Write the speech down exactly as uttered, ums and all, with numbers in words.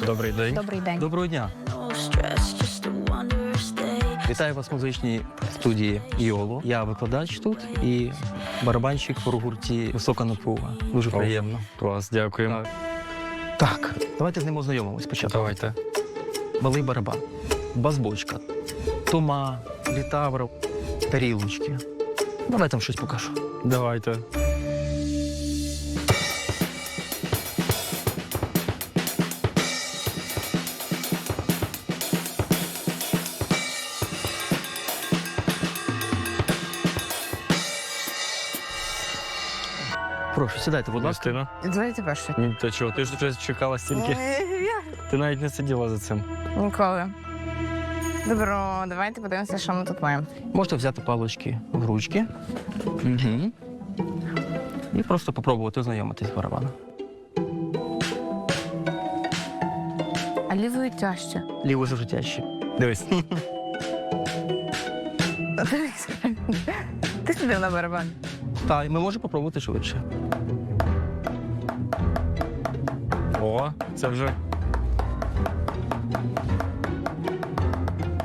Добрий день. Добрий день. Доброго дня. Вітаю вас в музичній студії «Іоло». Я викладач тут і барабанщик в гурті «Висока напруга». Дуже приємно. Клас, дякую. Так. Так, давайте з ним ознайомимось спочатку. Давайте. Малий барабан, бас-бочка, тума, літавр, тарілочки. Давайте вам щось покажу. Давайте. Прошу, сідайте, будь ласка. Юстина. Давайте перше. Ні, Та чого, ти ж вже чекала стільки. Ти навіть не сиділа за цим. Ніколи. Добро, давайте подивимося, що ми тут маємо. Можете взяти палички в ручки. Угу. І просто попробувати ознайомитись з барабаном. А лівою тяжче. Ліво завжди тяжче. Дивись. Ти сидив на барабан. Так, і ми можемо попробувати швидше. О, це вже